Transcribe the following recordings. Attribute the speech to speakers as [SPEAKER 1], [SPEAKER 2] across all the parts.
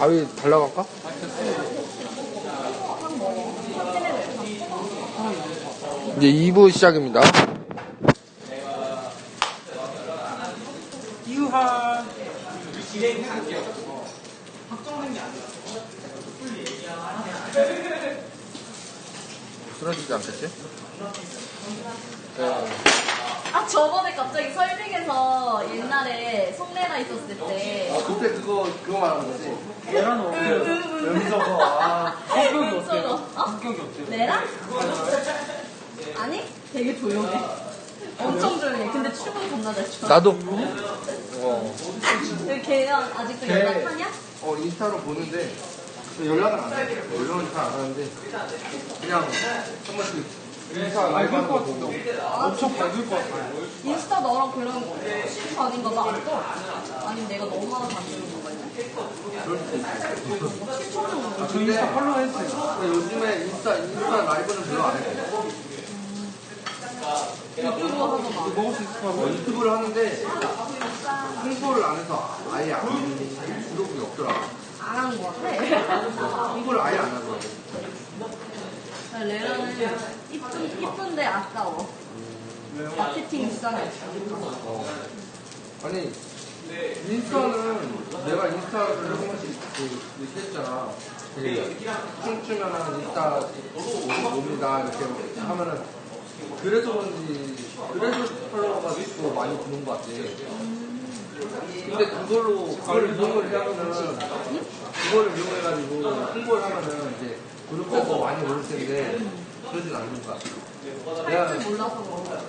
[SPEAKER 1] 가위 달라갈까? 이제 2부 시작입니다.
[SPEAKER 2] 유하.
[SPEAKER 1] 쓰러지지 않겠지?
[SPEAKER 3] 아 저번에 갑자기 설빙에서 옛날에 송래가 있었을 때
[SPEAKER 1] 그때 그거 말하는 거지?
[SPEAKER 2] 내란 어때요? 연서거. 아, 성격이 어때요? 성격이 어때요?
[SPEAKER 3] 내랑? 아니 되게 조용해. 엄청 조용해. 근데 춤은 겁나 잘 춰.
[SPEAKER 1] 나도.
[SPEAKER 3] 걔랑 아직도 연락하냐?
[SPEAKER 1] 인스타로 보는데 연락은 안 해. 연락은 잘 안 하는데 그냥 한 번씩 인스타 라이브 하는 거 보고.
[SPEAKER 2] 엄청 밝을 것 같아요.
[SPEAKER 3] 인스타 너랑 그런 신 아닌가 봐. 안 떠? 아니면 내가 너무 많아 다니는 건가 이제?
[SPEAKER 1] 그럴 수도 있어.
[SPEAKER 2] 저 인스타 팔로우 했어요.
[SPEAKER 1] 근데 요즘에 인스타 라이브는 별로 안 해.
[SPEAKER 3] 유튜브 하더만.
[SPEAKER 2] 먹을 수 있을 것 같아요.
[SPEAKER 1] 유튜브를 하는데 홍보를 안 해서 아예 구독이 없더라고.
[SPEAKER 3] 안 하는 거 같아.
[SPEAKER 1] 홍보를 아예 안 하더라고.
[SPEAKER 3] 레라는 이쁜데 아까워. 마케팅 비싸네.
[SPEAKER 1] 아니 인스타는 내가 인스타를 한 번씩 얘기했잖아. 춤추면은 인스타 옵니다 이렇게 하면은 그래서 팔로워가 또 많이 드는 것 같아. 근데 그걸 이용해가지고 홍보를 하면은 이제 구독자가 더 많이 오를 텐데 그러진 않는 것 같아. 내가
[SPEAKER 3] 할 줄 몰라서 그런 거야.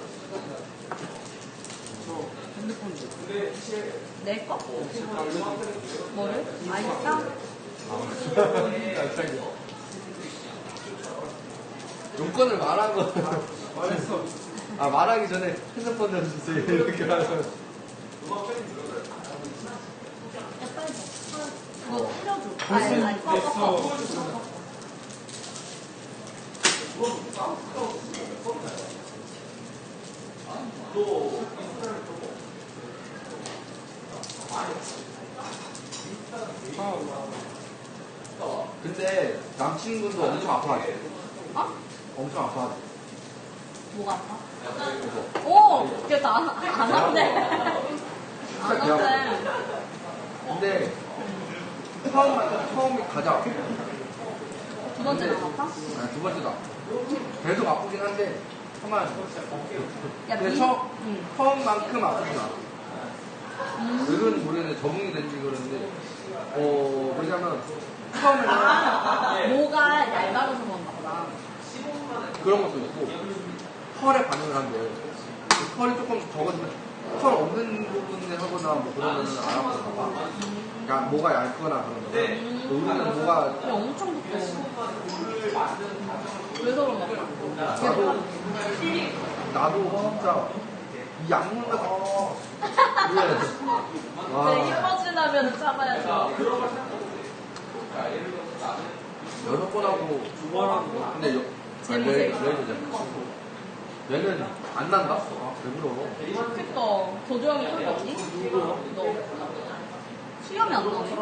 [SPEAKER 2] 저 핸드폰 좀.
[SPEAKER 3] 내 거? 뭐를? 아이싸?
[SPEAKER 1] 용건을 말한 거.
[SPEAKER 2] 말했어.
[SPEAKER 1] 말하기 전에 핸드폰 좀 주세요. 이렇게 하면.
[SPEAKER 3] 그거 뿌려줘. 아니, 꺼.
[SPEAKER 1] 근데 남친분도 엄청 아파하지. 엄청 아파하지.
[SPEAKER 3] 뭐가 아파? 오! 걔 다 안 한대. 안 한대.
[SPEAKER 1] 근데 처음이 가장 아파.
[SPEAKER 3] 두 번째는 안 아파?
[SPEAKER 1] 아니, 두 번째도 아파. 계속 아프긴 한데 가만.
[SPEAKER 3] 야,
[SPEAKER 1] 근데 처음만큼 아프진 않아. 왜그런지 모르겠는데 적응이 된지 그러는데 왜냐면 처음에는
[SPEAKER 3] 뭐가 얇아져서 그런가 보다.
[SPEAKER 1] 그런 것도 있고 털에 반응을 한대. 그 털이 조금 적어지면 털 없는 부분에 하거나 뭐 그러면은 안 아픈가 봐. 그러니까 뭐가 얇거나 그런 거. 우리는 뭐가
[SPEAKER 3] 야, 엄청 두꺼워. 그래서 그런가 보다.
[SPEAKER 1] 나도 진짜 이 약물로
[SPEAKER 3] 근데 이뻐지려면 참아야죠.
[SPEAKER 1] 6번 하고 2번 하고 근데 얘는 안 난다? 왜 그러?
[SPEAKER 3] 그니까 도저히 털이 없니? 너 수염이 안 나네?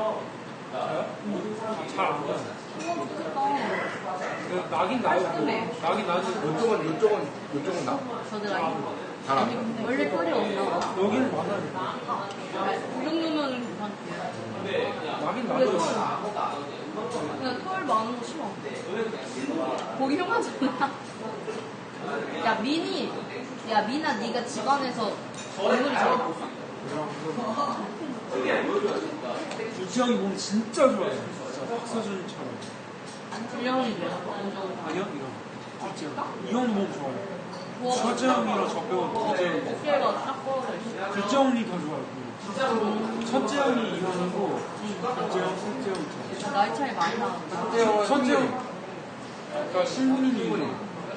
[SPEAKER 2] 잘 안 나요.
[SPEAKER 3] 수염 좋겠다.
[SPEAKER 2] 나긴 나요. 나긴 나지.
[SPEAKER 1] 이쪽은 나?
[SPEAKER 3] 저들아기?
[SPEAKER 1] 잘 안 나.
[SPEAKER 3] 원래 털이 없나 봐.
[SPEAKER 2] 여기는 많아요.
[SPEAKER 3] 이 정도면 괜찮지.
[SPEAKER 2] 나긴
[SPEAKER 3] 그래,
[SPEAKER 2] 나죠.
[SPEAKER 3] 그냥 털 많은 거 싫어. 보기 흉하잖아. 야, 미나, 네가 집안에서 얼굴이 잘 나왔어?
[SPEAKER 2] 주지영이 몸 진짜 좋아요. 진짜 박서준처럼.
[SPEAKER 3] 불량이 돼.
[SPEAKER 2] 아니요? 이런. 주지영. 이형 몸 좋아요.
[SPEAKER 3] 뭐,
[SPEAKER 2] 서재영이랑 저 빼고 주지영이.
[SPEAKER 3] 어깨가 딱 떨어져 있어.
[SPEAKER 2] 둘째형이 더 좋아요. 첫째형이 이형이고, 둘째형, 셋째형 저.
[SPEAKER 3] 나이 차이 많이 나는데.
[SPEAKER 2] 첫째형, 그러니까 신문이,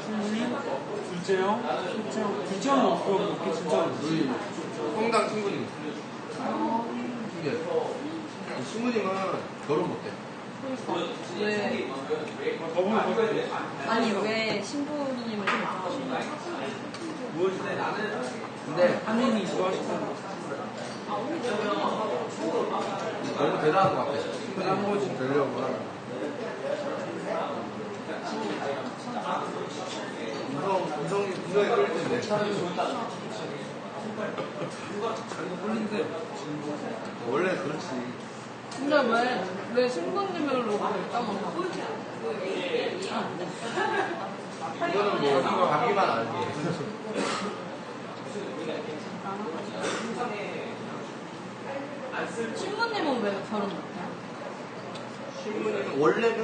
[SPEAKER 2] 둘째형, 셋째형. 둘째형은 없고, 이렇게 진짜.
[SPEAKER 1] 우리 성당 신부님. 신부님은 결혼 못해.
[SPEAKER 3] 왜?
[SPEAKER 2] 저번에 봤을
[SPEAKER 3] 아니, 왜 신부님을 좀 좋아하시나?
[SPEAKER 2] 뭐,
[SPEAKER 1] 근데
[SPEAKER 2] 한인이 좋아하시는 거.
[SPEAKER 1] 너무 대단한 것 같아. 한 번씩 되려고 하는. 이성이 끌릴 텐데. 자기가 끌린데. 원래 그렇지.
[SPEAKER 3] 근데 왜 신부님으로 결정을 하고?
[SPEAKER 1] 이거는 뭐, 자기만 알지.
[SPEAKER 3] 신부님은 왜 결혼 못해요?
[SPEAKER 1] 신부님은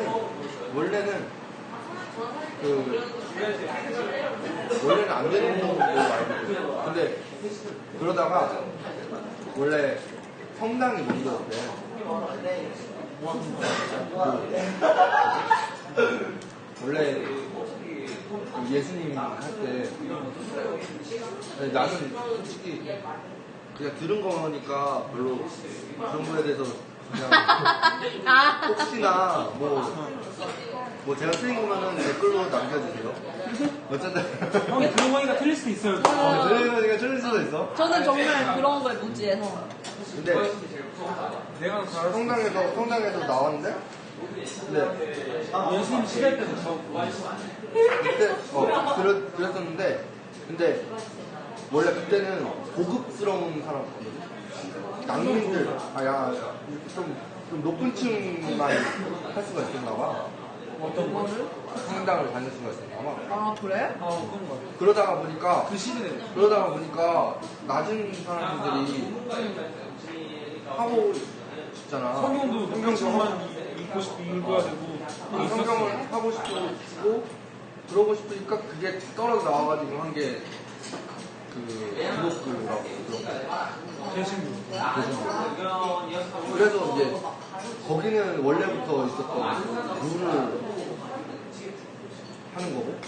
[SPEAKER 1] 원래는 안 되는 걸로 알고 있어요. 근데 그러다가 원래 성당이 먼저였대. 원래 그 예수님 할 때 나는 솔직히 그냥 들은 거니까 별로 그런 거에 대해서 그냥 혹시나 뭐 제가 틀린 거면은 댓글로 남겨주세요. 어쨌든
[SPEAKER 2] 형이 들은 거니까 틀릴 수도 있어요.
[SPEAKER 1] 들은 거니까 틀릴 수도 있어.
[SPEAKER 3] 저는 정말 그런 거에 무지해서.
[SPEAKER 1] 근데
[SPEAKER 2] 내가 잘할 수
[SPEAKER 1] 성당에서 나왔는데 근데
[SPEAKER 2] 예수님 시대 때도 처음.
[SPEAKER 1] 그때 그랬었는데 근데 원래 그때는 고급스러운 사람이거든. 낭민들 좀 높은 층만 할 수가 있었나 봐.
[SPEAKER 2] 어떤 거를?
[SPEAKER 1] 성당을 다닐 수가 있었나 봐.
[SPEAKER 3] 아 그래?
[SPEAKER 2] 그런 거.
[SPEAKER 1] 그러다가
[SPEAKER 2] 그 시대에.
[SPEAKER 1] 보니까 낮은 사람들이 하고 싶잖아.
[SPEAKER 2] 성경도 성경만 읽어야 되고.
[SPEAKER 1] 성경을 하고 싶고 그러고 싶으니까 그게 떨어져 나와가지고 한 게 그 기독교라고 그런
[SPEAKER 2] 대신부.
[SPEAKER 1] 그래서 이제 거기는 원래부터 있었던 룰을 하는 거고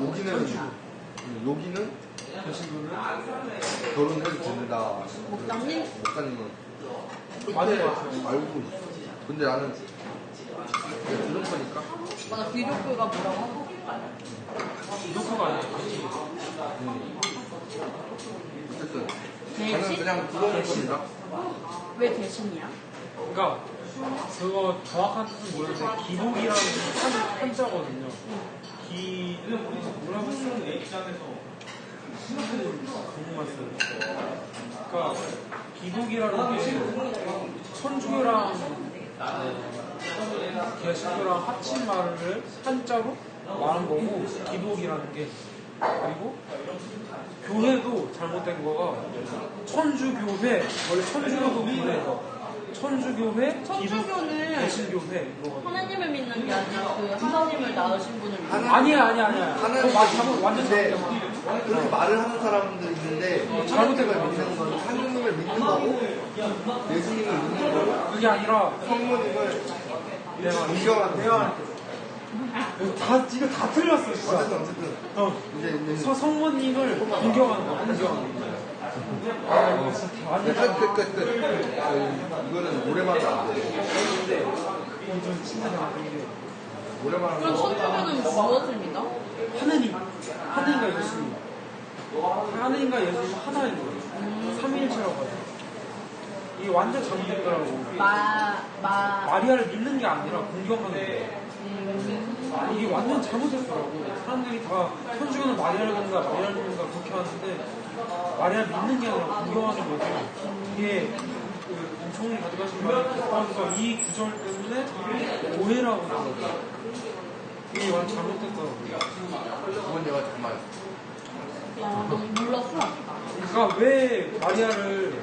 [SPEAKER 1] 여기는
[SPEAKER 2] 대신부는
[SPEAKER 1] 결혼해도 된다.
[SPEAKER 3] 목사님?
[SPEAKER 1] 목사님은
[SPEAKER 2] 맞는 것 같아요.
[SPEAKER 1] 알고 있어. 근데 나는 그냥 들은 거니까.
[SPEAKER 3] 맞아 기독교가 뭐라고?
[SPEAKER 2] 기독교가 아니야.
[SPEAKER 1] 어쨌든
[SPEAKER 3] 대신?
[SPEAKER 1] 저는 그냥 들어본 겁니다.
[SPEAKER 3] 왜 대신이야?
[SPEAKER 2] 그러니까 그거 정확한 뜻은 모르는데 기복이라는 한자거든요. 뭐라고 쓰는 공부만 써요. 그러니까 기복이라는 게 천주교랑 개신교랑 합친 말을 한자로 말한 거고 기복이라는 게 그리고 교회도 잘못된 거가 천주교회 원래 천주교도 교회가 천주교회
[SPEAKER 3] 천주교는
[SPEAKER 2] 개신교회 이거
[SPEAKER 3] 하나님을 믿는 게 아니라 그 하나님을 낳으신 분을 믿는 거야.
[SPEAKER 2] 아니야.
[SPEAKER 1] 하나님
[SPEAKER 2] 잘못 완전
[SPEAKER 1] 근데
[SPEAKER 2] 잘못된
[SPEAKER 1] 그렇게 말을 하는 사람들이 있는데
[SPEAKER 2] 잘못된
[SPEAKER 1] 하나님을
[SPEAKER 2] 거야.
[SPEAKER 1] 믿는 건 하나님을 믿는 거고 예수님을 믿는 거고
[SPEAKER 2] 그게 아니라
[SPEAKER 1] 성모님을
[SPEAKER 2] 내가
[SPEAKER 1] 존경하는 거지.
[SPEAKER 2] 이거 다 틀렸어 진짜.
[SPEAKER 1] 어쨌든 이제
[SPEAKER 2] 성모님을 공경하는 거야. 공경하는 거야. 아 이거 진짜 다 완전
[SPEAKER 1] 끝. 이거는 오래만 안 돼.
[SPEAKER 2] 이건 진짜 잘못된 게
[SPEAKER 1] 오래만
[SPEAKER 3] 그럼 천주교는 무엇을 믿어?
[SPEAKER 2] 하느님과 예수님 하느님과 예수님 하나인 거예요. 삼위일체라고 하죠. 이게 완전 잘못됐더라고. 마리아를 믿는 게 아니라 공경하는 거예요. 이게 완전 잘못됐더라고. 사람들이 다 천주교는 마리아를 믿는다 그렇게 하는데 마리아를 믿는 게 아니라 공경하는 거고 이게 그 엄청나게 가져가신 말이 그래서 이 구절 때문에 오해라고 하더라고요. 이게 완전 잘못됐더라고요.
[SPEAKER 1] 그건 내가 정말
[SPEAKER 3] 몰랐어.
[SPEAKER 2] 그러니까 왜 마리아를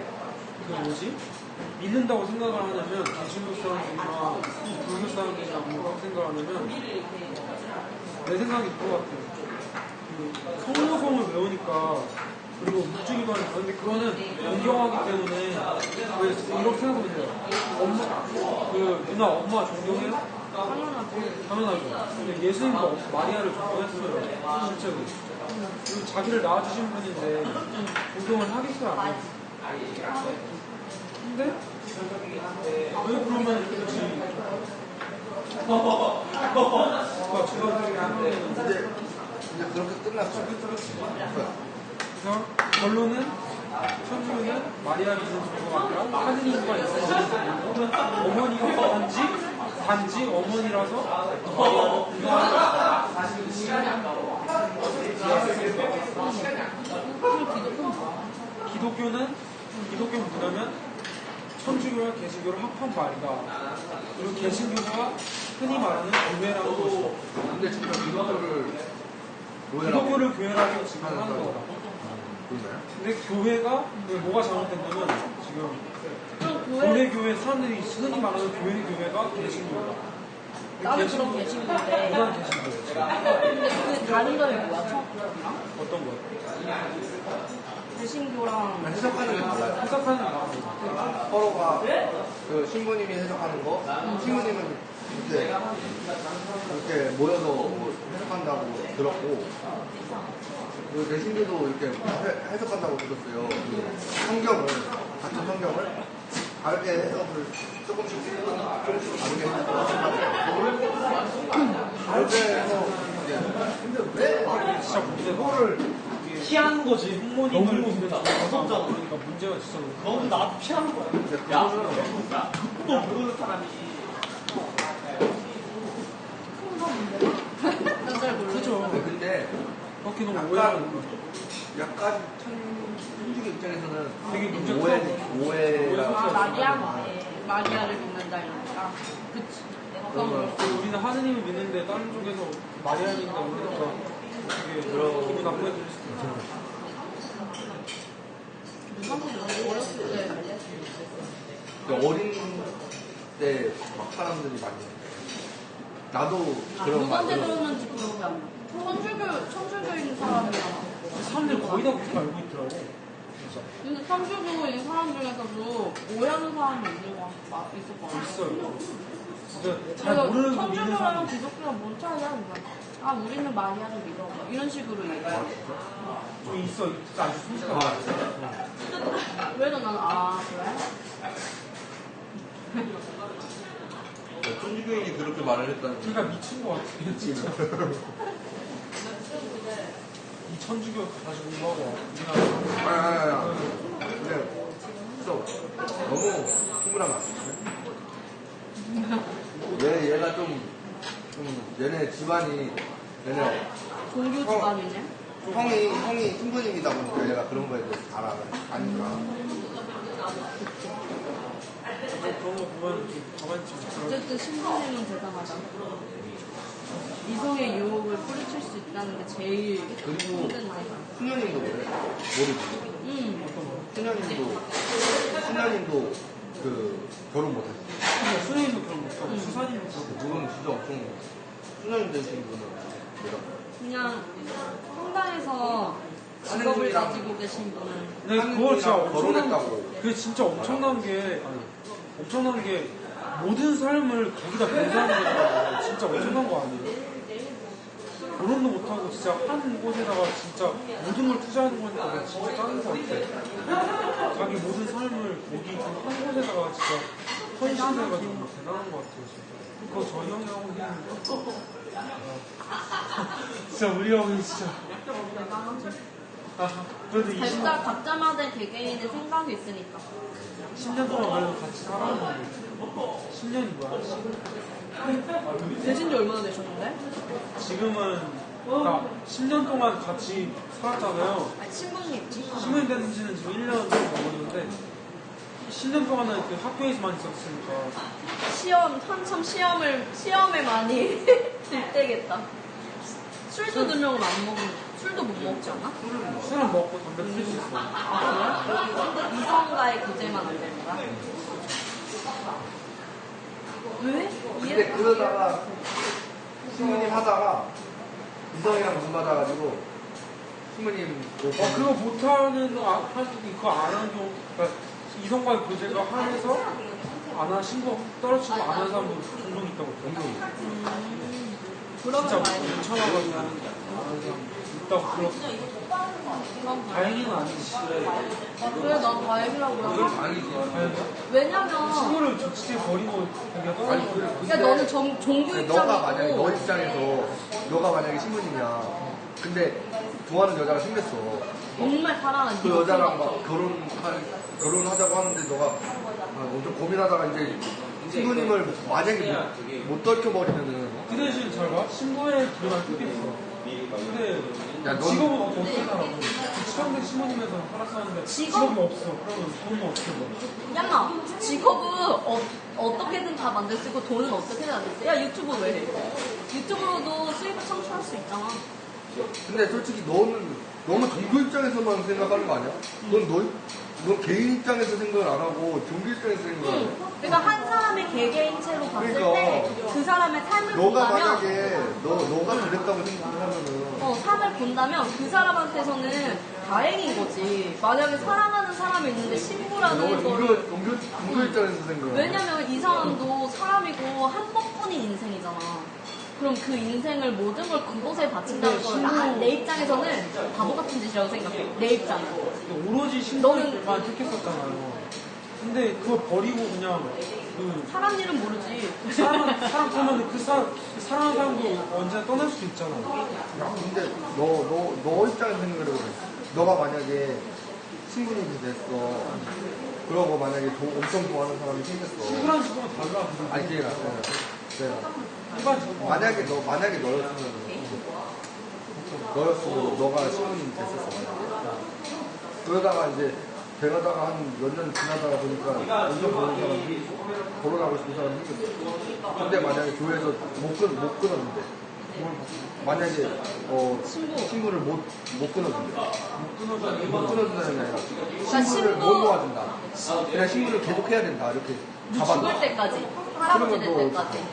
[SPEAKER 2] 믿는다고 생각을 하냐면 개신교 사람들이나 불교 사람들이나 뭐라고 생각을 하냐면 내 생각이 그거 같아요. 그 성모성을 외우니까 그리고 묵주기만 해요. 근데 그거는 존경하기 때문에 왜 이렇게 생각하면 돼요. 엄마 존경해요? 당연하죠. 근데 예수님도 마리아를 존경했어요. 실제로. 그리고 자기를 낳아주신 분인데 존경을 하겠어요? 안 해요? 근데 왜 그러면 굳이
[SPEAKER 1] 이제 그렇게 끝났어.
[SPEAKER 2] 그래서 결론은 천주교는 마리아를 믿는 정도가 아니라 하느님과 있는 어머니가 단지 어머니라서 기독교 문화는 천주교와 개신교를 합한 말이다. 그리고 개신교가 흔히 말하는 교회라는 것이다.
[SPEAKER 1] 근데 진짜
[SPEAKER 2] 기독교를 교회라고 지금 하는 거다.
[SPEAKER 1] 그런가요?
[SPEAKER 2] 근데 교회가 뭐가 잘못됐냐면 지금 교회 사람들이 흔히 말하는 교회가 개신교다.
[SPEAKER 3] 나도 그런 개신교인데.
[SPEAKER 2] 무난 개신교.
[SPEAKER 3] 근데 그 다른 점이 뭐야?
[SPEAKER 2] 어떤 거요?
[SPEAKER 3] 개신교랑
[SPEAKER 1] 해석하는 게 달라요.
[SPEAKER 2] 해석하는 거.
[SPEAKER 1] 서로가 그 신부님이 해석하는 거, 신부님은 이렇게 모여서 뭐 해석한다고 들었고, 그 개신교도 이렇게 해석한다고 들었어요. 그 성경을, 같은 성경을 다르게 해석을 조금씩 다르게 해석을 다르게 해서
[SPEAKER 2] 진짜 그거를 피하는 거지. 부모님을 그러니까 문제가 진짜 너무 나도 피하는 거야. 또 모르는 사람이.
[SPEAKER 3] 난잘 모르겠어.
[SPEAKER 2] 그죠.
[SPEAKER 1] 근데
[SPEAKER 2] 그렇게 너무 오해하는 거.
[SPEAKER 1] 약간 천주교 입장에서는
[SPEAKER 2] 되게 문제가
[SPEAKER 1] 오해가
[SPEAKER 3] 마리아를 믿는다 이러니까. 그치.
[SPEAKER 2] 우리는 하느님을 믿는데 다른 쪽에서 마리아를 믿는다 그러니까 되게 기분 나쁘게 들릴 수도 있잖아.
[SPEAKER 3] 어렸을 때.
[SPEAKER 1] 어린 때 막 사람들이 많이 나도 그런
[SPEAKER 3] 누구한테
[SPEAKER 1] 말
[SPEAKER 3] 들었는지 기억이 안 나. 천주교인 사람이야.
[SPEAKER 2] 사람들이 거의 다 그렇게 알고 있더라고. 진짜.
[SPEAKER 3] 근데 천주교인 사람 중에서도 오해하는 사람이 있는 거 있을 거 같아.
[SPEAKER 2] 있어요. 진짜 잘 모르는 거 믿는
[SPEAKER 3] 천주교랑
[SPEAKER 2] 사람.
[SPEAKER 3] 기독교랑 뭔 차이야? 아 우리는 마리아를 믿어. 이런 식으로 얘기해.
[SPEAKER 2] 좀 있어. 진짜 아주 솔직하게.
[SPEAKER 3] 그래도 나는 그래?
[SPEAKER 1] 천주교인이 그렇게 말을 했다는
[SPEAKER 2] 그러니까 미친 거 같아. 진짜. 이 천주교 다시 공부하고 우리나라.
[SPEAKER 1] 근데 진짜 너무 흥분하면 안 돼. 얘가 좀 얘네 집안이 얘네
[SPEAKER 3] 종교 집안이네.
[SPEAKER 1] 형이 신부님이다 보니까 얘가 그런 거에 대해서 잘 아니까.
[SPEAKER 2] 그런 거 보면 좀 가만히 있지.
[SPEAKER 3] 어쨌든 신부님은 대단하다. 이성의 유혹을 뿌리칠 수 있다는 게 제일
[SPEAKER 1] 그리고
[SPEAKER 3] 힘든 데.
[SPEAKER 1] 수녀님도 그래. 모르지. 수녀님도 그 결혼 못했어.
[SPEAKER 2] 수녀님도 그런 거 있고 수사님도 그런 거.
[SPEAKER 1] 그건 진짜 엄청 수녀님 되신 분은 내가
[SPEAKER 3] 그냥 성당에서 직업을 가지고 계신 분은
[SPEAKER 2] 근데 그거 진짜
[SPEAKER 1] 결혼했다고.
[SPEAKER 2] 그게 진짜 엄청난 게 모든 삶을 거기다 변수하는 거잖아. 진짜 엄청난 거 아니에요? 결혼도 못하고 진짜 한 곳에다가 진짜 모든 걸 투자하는 거니까 내가 진짜 짱인 것 같아. 자기 모든 삶을 거기 한 곳에다가 진짜 헌신해가지고 대단한 것 같아요. 진짜. 그거 저희 형이 하고 있는 거. 진짜 우리 형이 진짜. 그래도
[SPEAKER 3] 각자마다 개개인의 생각이 있으니까.
[SPEAKER 2] 10년 동안 그래도 같이 살았는데 10년이 뭐야?
[SPEAKER 3] 되신 지 얼마나 되셨는데?
[SPEAKER 2] 지금은 그러니까 10년 동안 같이 살았잖아요.
[SPEAKER 3] 신부님.
[SPEAKER 2] 신부님 된 지는 지금 1년 넘었는데 10년 동안은 그 학교에서만 있었으니까
[SPEAKER 3] 한참 시험에 많이 들때겠다. 술도 들려면 안 먹는 술도 못 먹지 않아?
[SPEAKER 2] 술은 먹고 담배 피울 수 있어.
[SPEAKER 3] 그래? 이성과의 교제만 안 되는 거야? 왜?
[SPEAKER 1] 근데 그러다가 신부님 하다가 이성이랑 문 받아가지고 신부님
[SPEAKER 2] 그거 못하는 그거 안 하는 경우 그러니까 이성과의 교제가 한해서 안 하는 신고 떨어지고 안 하는 사람도 종종 있다고 종종
[SPEAKER 3] 그러면
[SPEAKER 2] 진짜
[SPEAKER 3] 다행이다.
[SPEAKER 2] 괜찮아가지고 안 하는 사람 있다고 들었어. 다행히는 아니지.
[SPEAKER 3] 그래 난 다행이라고 해.
[SPEAKER 1] 아니지.
[SPEAKER 3] 왜냐면
[SPEAKER 2] 친구를 조치에 버리고 그냥 떠나는 거야.
[SPEAKER 3] 그러니까 너는 종교
[SPEAKER 1] 너가 만약에
[SPEAKER 3] 입장이고
[SPEAKER 1] 너 입장에서 너가 만약에 신부님이야. 근데 좋아하는 여자가 생겼어.
[SPEAKER 3] 정말 사랑하는
[SPEAKER 1] 그 여자랑 막 결혼하자고 하는데 너가 엄청 고민하다가 이제 신부님을 만약에 못 떨쳐버리면은
[SPEAKER 2] 그 대신 잘 봐. 신부의 기록을 끊겼어. 근데
[SPEAKER 1] 야, 넌-
[SPEAKER 2] 직업은 어떻게 살아? 치명적 신부님에서 살았었는데 직업이 없어. 그러면 돈은 어떻게 벌어?
[SPEAKER 3] 야, 직업은 어떻게든 다 만들 수 있고 돈은 어떻게든 만들 수 있어. 야, 유튜브 왜 해? 유튜브로도 수입을 창출할 수 있잖아.
[SPEAKER 1] 근데 솔직히 너는 너무 종교 입장에서만 생각하는 거 아니야? 넌 개인 입장에서 생각을 안 하고 종교 입장에서 생각을 안 해.
[SPEAKER 3] 그러니까 한 사람의 개개인체로 봤을
[SPEAKER 1] 그러니까.
[SPEAKER 3] 때 그 사람의 삶을
[SPEAKER 1] 너가
[SPEAKER 3] 본다면
[SPEAKER 1] 만약에 너가 그랬다고 생각을 하면은
[SPEAKER 3] 삶을 본다면 그 사람한테서는 다행인 거지. 만약에 사랑하는 사람이 있는데
[SPEAKER 1] 너가
[SPEAKER 3] 신부라는 거를
[SPEAKER 1] 종교 입장에서 생각을
[SPEAKER 3] 왜냐면 이 사람도 사람이고 한 번뿐인 인생이잖아. 그럼 그 인생을 모든 걸 그곳에 바친다는 걸 내 입장에서는 바보 같은 짓이라고 생각해. 내 입장은.
[SPEAKER 2] 오로지 신부님만 택했었잖아요. 근데 그걸 버리고 그냥 그
[SPEAKER 3] 사람 일은 모르지.
[SPEAKER 2] 사람 보면 사랑하는 사람도 언제나 떠날 수도 있잖아.
[SPEAKER 1] 야, 근데 너 입장에서 생각을 해보래. 너가 만약에 신부님이 됐어. 그러고 만약에 엄청 좋아하는 사람이 생겼어.
[SPEAKER 2] 친구랑 친구가 달라.
[SPEAKER 1] 아니, 걔가.
[SPEAKER 2] 일반 친구.
[SPEAKER 1] 만약에 너였으면 너가 신부님이 됐었어. 그러다가 이제 되가다가 한 몇 년 지나다가 보니까 엄청 보는 사람이 결혼하고 싶은 사람이 생겼어. 근데 만약에 교회에서 못 끊었는데 만약에 친구를 못 끊어준대. 못 끊어준다는 게 아니라 친구를 못 모아준다. 그냥 친구를 계속 해야 된다. 이렇게 잡아놔.
[SPEAKER 3] 죽을 때까지. 할아버지 될
[SPEAKER 1] 그러면
[SPEAKER 3] 때까지.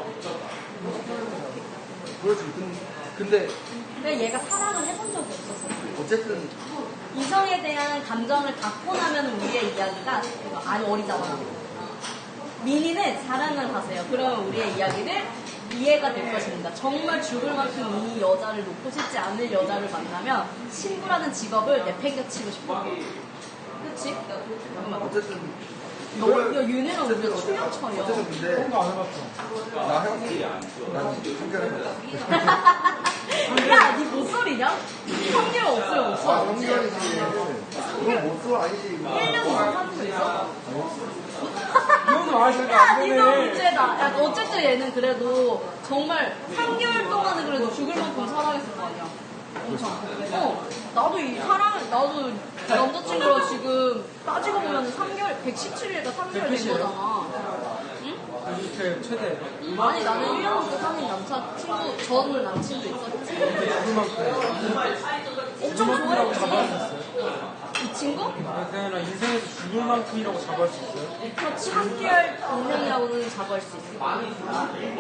[SPEAKER 1] 그렇지. 근데
[SPEAKER 3] 근데 얘가 사랑을 해본 적이 없었어.
[SPEAKER 1] 어쨌든
[SPEAKER 3] 이성에 대한 감정을 갖고 나면 우리의 이야기가 아니 어리잖아. 민희는 사랑을 하세요. 그러면 우리의 이야기를 이해가 될 것입니다. 정말 죽을 만큼 이 여자를 놓고 싶지 않을 여자를 만나면 신부라는 직업을 내팽개치고 싶어. 그치?
[SPEAKER 1] 어쨌든
[SPEAKER 3] 윤혜랑 우리가 충격처리야.
[SPEAKER 1] 어쨌든 근데
[SPEAKER 2] 그런 거 안 해봤죠.
[SPEAKER 1] 나 해봤지. 난 한결해봤어.
[SPEAKER 3] 야, 니 못소리냐? 확률 없어요, 없어.
[SPEAKER 1] 한결이지. 그건 못쏠 아니지.
[SPEAKER 3] 1년 이상 사는 거 있어?
[SPEAKER 2] 이거는 아시가
[SPEAKER 3] 야,
[SPEAKER 2] 안
[SPEAKER 3] 니도
[SPEAKER 2] 되네.
[SPEAKER 3] 문제다. 야, 어쨌든 얘는 그래도 정말 3개월 동안은 그래도 죽을 만큼 사랑했을 거 아니야. 엄청. 나도 남자친구랑 지금 따지고 보면 3개월, 117일과 3개월 된 거잖아. 응?
[SPEAKER 2] 이렇게 최대.
[SPEAKER 3] 아니, 나는 1년 넘게 사귄 전 남친도 있었지.
[SPEAKER 2] 죽을 만큼.
[SPEAKER 3] 엄청
[SPEAKER 2] 죽을
[SPEAKER 3] 좋아했지.
[SPEAKER 2] 잡아할 수 있어요?
[SPEAKER 3] 이 친구?
[SPEAKER 2] 그게 아니라 인생에서 죽을 만큼이라고 잡아할 수 있어요?
[SPEAKER 3] 그렇지, 3개월 인생이라고는 자부할 수 있어.
[SPEAKER 2] 아닌 것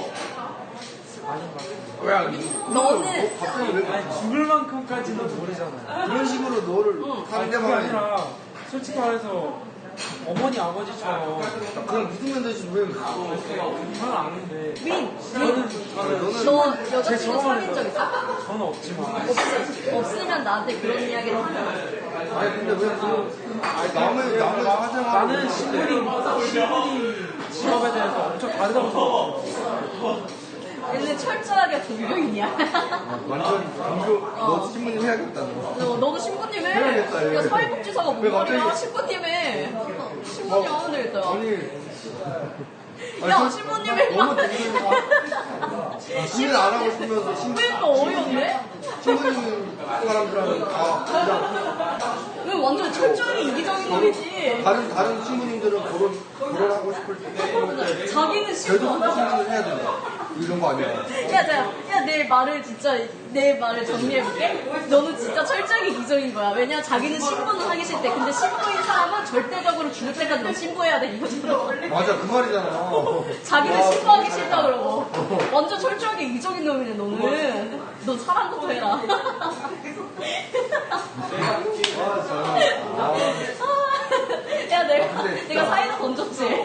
[SPEAKER 2] 같아요.
[SPEAKER 1] 야,
[SPEAKER 3] 너는
[SPEAKER 1] 갑자기 왜
[SPEAKER 2] 아니, 죽을 만큼까지는 모르잖아요.
[SPEAKER 1] 그런 식으로 너를
[SPEAKER 2] 아니, 그게
[SPEAKER 1] 상대방이
[SPEAKER 2] 아니라, 솔직히 말해서, 어머니, 아버지처럼,
[SPEAKER 1] 그냥 믿으면 되지 왜?
[SPEAKER 2] 그건 아닌데,
[SPEAKER 3] 민,
[SPEAKER 2] 저는,
[SPEAKER 3] 너
[SPEAKER 2] 제
[SPEAKER 3] 여자친구
[SPEAKER 2] 경험을
[SPEAKER 3] 사귄 적 있어?
[SPEAKER 2] 저는 없지만,
[SPEAKER 3] 없으면 나한테 그런 이야기를 하면
[SPEAKER 1] 아니 근데 왜 남을 하자마자
[SPEAKER 2] 나는 신부님 직업에 대해서 엄청 다르다고 생각해요.
[SPEAKER 3] 얘는 철저하게 종교인이야.
[SPEAKER 1] 완전 종교 너 신부님 해야겠다 너.
[SPEAKER 3] 너도 신부님 해.
[SPEAKER 1] 해야겠다, 얘.
[SPEAKER 3] 야, 사회복지사가 뭔
[SPEAKER 1] 왜
[SPEAKER 3] 말이야?
[SPEAKER 1] 갑자기-
[SPEAKER 3] 신부님 해. 신부님 하면 되겠다.
[SPEAKER 1] 아니
[SPEAKER 3] 야, 신부님 해.
[SPEAKER 1] 너무 신부님 안 하고 싶으면서
[SPEAKER 3] 그러니까 어이없네?
[SPEAKER 1] 신부님 사람들하고 다 그냥
[SPEAKER 3] 왜 완전 철저하게 이기적인 놈이지.
[SPEAKER 1] 다른 신부님들은 결혼하고 싶을 때
[SPEAKER 3] 자기는 신부
[SPEAKER 1] 계속
[SPEAKER 3] 안 하고.
[SPEAKER 1] 신부님을 해야 된다. 이런 거 아니야.
[SPEAKER 3] 야, 내 말을 정리해볼게. 너는 진짜 철저하게 이기적인 거야. 왜냐, 자기는 신부는 하기 싫대. 근데 신부인 사람은 절대적으로 죽을 때까지 너 신부해야 돼. 이거잖아.
[SPEAKER 1] 맞아 그 말이잖아.
[SPEAKER 3] 자기는 신부하기 싫다 그러고. 완전 철저하게 이기적인 놈이네, 너는. 너 사랑부터 해라. 야, 내가 사이다 던졌지.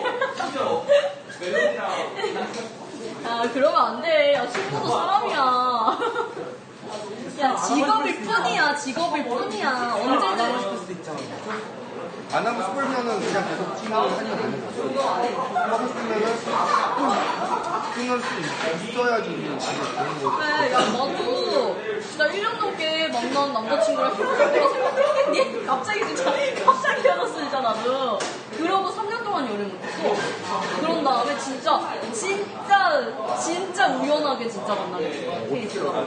[SPEAKER 3] 아, 그러면 안 돼. 야, 신부도 사람이야. 야, 직업일 뿐이야, 직업일 뿐이야. 언제든.
[SPEAKER 2] 싶을 수도 있잖아.
[SPEAKER 1] 안 하고 싶으면은 그냥 계속 친구를 하면 되는 거야. 하고 싶으면은 끊을 수 있어야지 이게 되는 거지.
[SPEAKER 3] 그래, 야, 나도 진짜 1년 넘게 만난 남자친구랑 헤어질 거라 생각했니? 갑자기 진짜 갑자기 헤어졌어 진짜 나도. 그러고 3년 동안 연애 못했어. 그런 다음에 진짜 우연하게 진짜 만나게 됐어. 케이스가.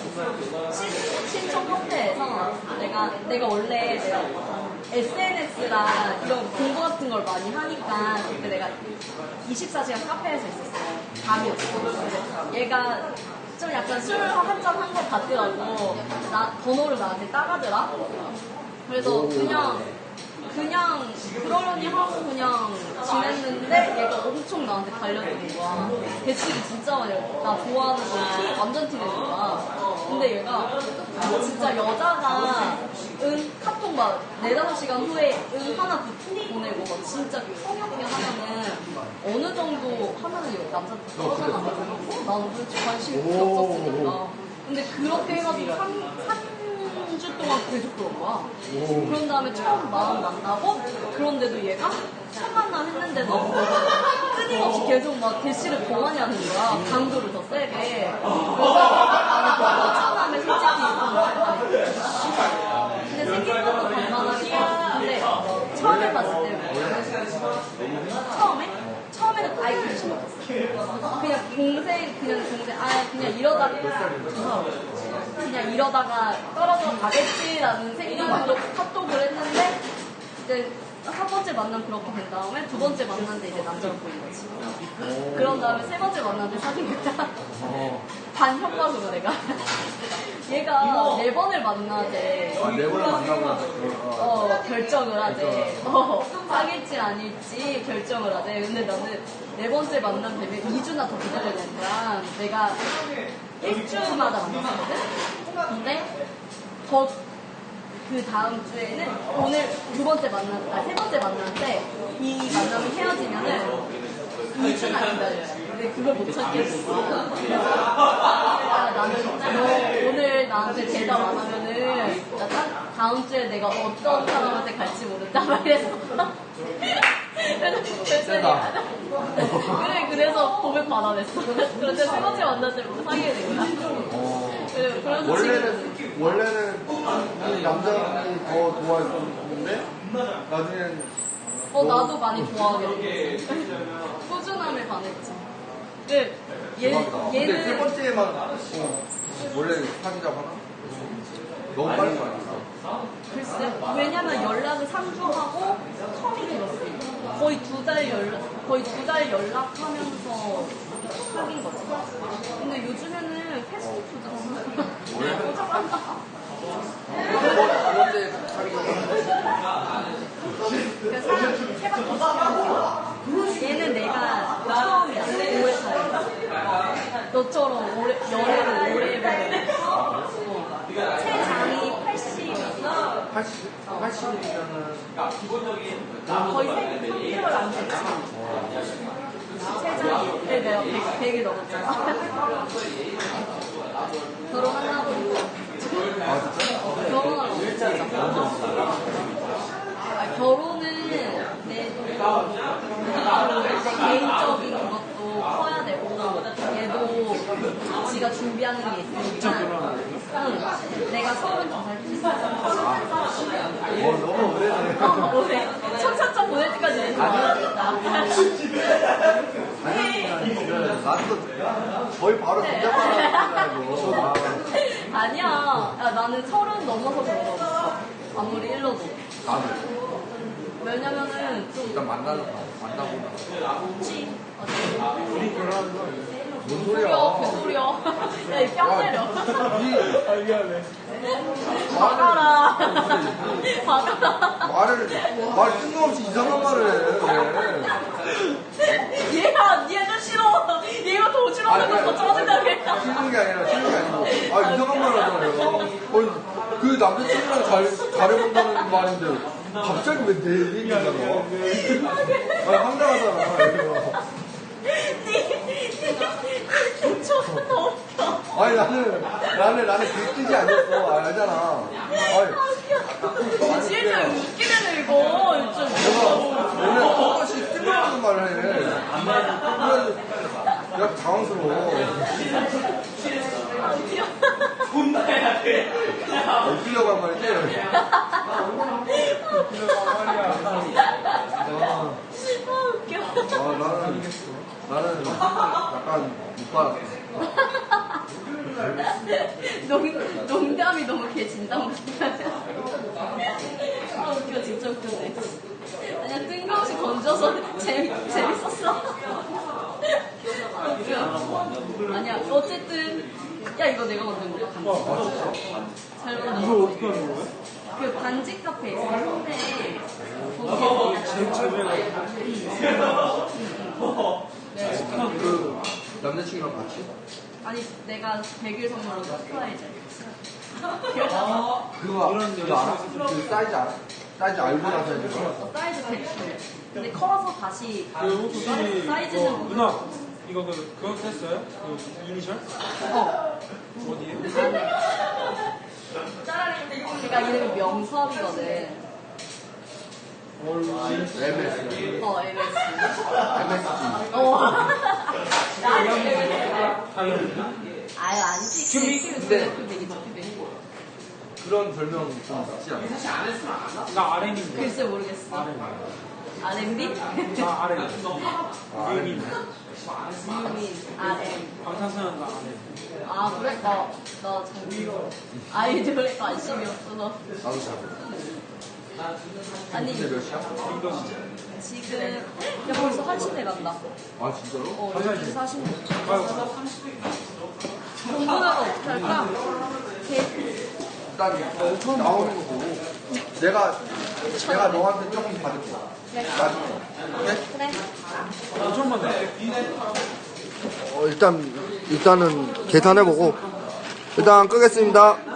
[SPEAKER 3] 신청 카페에서 내가 원래 SNS랑 이런 공부 같은 걸 많이 하니까 그때 내가 24시간 카페에서 있었어요. 밤이었어. 근데 얘가 좀 약간 술 한 잔 한 것 같더라고. 번호를 나한테 따가더라. 그래서 그냥 그러려니 하고 그냥 지냈는데 얘가 엄청 나한테 달려드는 거야. 대출이 진짜 많이 나 좋아하는 거 완전 티내는 거야. 근데 얘가 진짜 여자가 카톡 막 4-5시간 후에 하나 보내고 막 진짜 성역이 하면은 어느 정도 하면은 남자한테 떨어져나 가지고 나는 솔직히 관심이 필요 없었으니까. 근데 그렇게 해가지고 3주 동안 계속 그런 거야. 그런 다음에 처음 마음 만나고 그런데도 얘가 첫 만남 했는데도 끊임없이 계속 막 대시를 더 많이 하는 거야. 강도를 더 세게. 그래서 나는 첫 만남에 솔직히 근데 생긴 것도 반만하게 근데 처음에 봤을 때 처음에는 아예 관심 없었어. 그냥 이러다가 떨어져 가겠지라는 생각으로 카톡을 했는데 이제 첫 번째 만남 그렇게 된 다음에 두 번째 만났는데 이제 남자가 보인 거지. 그런 다음에 세 번째 만났는데 사귄 거야. 반협박으로 내가. 얘가 4번을 만나재.
[SPEAKER 1] 4번을 만나고
[SPEAKER 3] 결정을 하재. 사귈지 아닐지 결정을 하재. 근데 나는 4번째 만남 되면 2주나 더 기다려야 되는 거야. 내가 1주마다 만났거든? 근데 그 다음 주에는 오늘 세 번째 만날 때 이 만남이 헤어지면은 2주나 기다려요. 근데 그걸 못 참겠어. 나는 너 오늘 나한테 대답 안 하면은 나 다음 주에 내가 어떤 사람한테 갈지 모른다 막 이랬어. 그래서 고백 받아냈어. 그런데 세 번째 만날 때부터 사귀게 된 거야.
[SPEAKER 1] 원래는 남자분이 더 좋아했었는데 나중엔
[SPEAKER 3] 나도 많이 좋아하게 됐어. 꾸준함에 반했지. 근데
[SPEAKER 1] 근데 세 번째만 원래 사귀자고 하나? 너무 빨리 사귀었어.
[SPEAKER 3] 글쎄, 왜냐면 연락을 3주 하고 텀이 길었어. 거의 2달 연락하면서 사귄 거지. 근데 요즘에는 패스트푸드잖아. 포장한다.
[SPEAKER 1] 두 번째 사귀자고
[SPEAKER 3] 그래서 해봤던 거. 얘는 내가 처음이야. 5회 사이. 너처럼 연애를 오래 해보고. 체장이 80이면은 거의 3개월 안 됐지. 체장이 내가 100이 넘었잖아. 결혼하려고 결혼하려고 결혼은 내 개인적인 것도 커야 되고 얘도 지가 준비하는 게 있으니까 내가 32살
[SPEAKER 1] 너무 오래네.
[SPEAKER 3] 오래 청첩장 보낼 때까지 내가 살았다.
[SPEAKER 1] 나도 거의 바로 진짜만
[SPEAKER 3] 아니야. 나는 30 넘어서 그런 거 없어. 아무리 일러도.
[SPEAKER 1] 나도
[SPEAKER 3] 왜냐면은 좀
[SPEAKER 1] 일단 만나고
[SPEAKER 3] 그치.
[SPEAKER 2] 우리 결혼하는 거 아니에요?
[SPEAKER 1] 뭔 소리야?
[SPEAKER 3] 개소리야. 야, 이 뺨 때려.
[SPEAKER 2] 아, 미안해.
[SPEAKER 3] 박아라. 박아라.
[SPEAKER 1] 말 뜬금없이 이상한 말을 해.
[SPEAKER 3] 얘가 싫어. 얘가 더 싫어하는 거 짜증나게 했다.
[SPEAKER 1] 싫은 게 아니고 이상한 말을 하잖아요. 그 남자친구랑 잘해본다는 말인데 갑자기 왜 내 얘기냐고. 황당하잖아.
[SPEAKER 3] 존나 웃겨.
[SPEAKER 1] 아니 나는 그 뜻이 아니었어. 알잖아.
[SPEAKER 3] 진짜 웃기네 이거. 좀.
[SPEAKER 1] 원래 똑같이 뜬금없는 말을 해. 그래서 내가 당황스러워.
[SPEAKER 3] 아, 웃겨.
[SPEAKER 1] 웃기려고 한 말이지?
[SPEAKER 3] 웃겨.
[SPEAKER 1] 나는 약간 못 받았어.
[SPEAKER 3] 농담이 너무 개 진담 같아. 아, 웃겨, 진짜 웃겨네. 아니야, 뜬금없이 건져서 재밌었어. 아, 웃겨. 아니야, 어쨌든. 야, 이거 내가 만든 거야. 잘
[SPEAKER 2] 이걸
[SPEAKER 3] 만들었어.
[SPEAKER 2] 어떻게 하는 거야?
[SPEAKER 3] 그 반지 카페 있어. 홍대에.
[SPEAKER 2] 제외가
[SPEAKER 1] 그 남자친구랑 같이?
[SPEAKER 3] 아니, 내가 100일 선물로 서프라이즈.
[SPEAKER 1] 그거 알아? 그 사이즈 알아? 사이즈 알고 나서 해준 거야?
[SPEAKER 3] 사이즈 100일. 근데 커서 다시
[SPEAKER 2] 그 혹시
[SPEAKER 3] 사이즈는
[SPEAKER 2] 누나 이거 그거 했어요? 그 이니셜? 어디에?
[SPEAKER 3] 제가 이름이 명섭이거든.
[SPEAKER 1] MS.
[SPEAKER 3] MS.
[SPEAKER 1] MSG.
[SPEAKER 3] 아유, 안 찍지.
[SPEAKER 1] 근데
[SPEAKER 3] 되게 좋대.
[SPEAKER 1] 그런 별명 좀 있지 않아?
[SPEAKER 2] 나 RM인데.
[SPEAKER 3] 글쎄 모르겠어. R&B?
[SPEAKER 2] 나 RM. 유민.
[SPEAKER 3] 유민, RM.
[SPEAKER 2] 방탄소년단 RM.
[SPEAKER 3] 아, 그래? 나 잘 아이돌에 관심이 없어서.
[SPEAKER 1] 나도 잘 몰라.
[SPEAKER 3] 아니,
[SPEAKER 1] 근데 몇 시야?
[SPEAKER 3] 지금, 야, 벌써 1시대 간다.
[SPEAKER 1] 아 진짜로?
[SPEAKER 3] 12시 40분. 공부나가 어떻게 할까?
[SPEAKER 1] 일단 나오는 거 보고 내가 너한테 조금 받을게.
[SPEAKER 3] 그래.
[SPEAKER 1] 나중에. 오케이?
[SPEAKER 3] 그래.
[SPEAKER 2] 5천만 원.
[SPEAKER 1] 일단은 계산해보고 일단 끄겠습니다.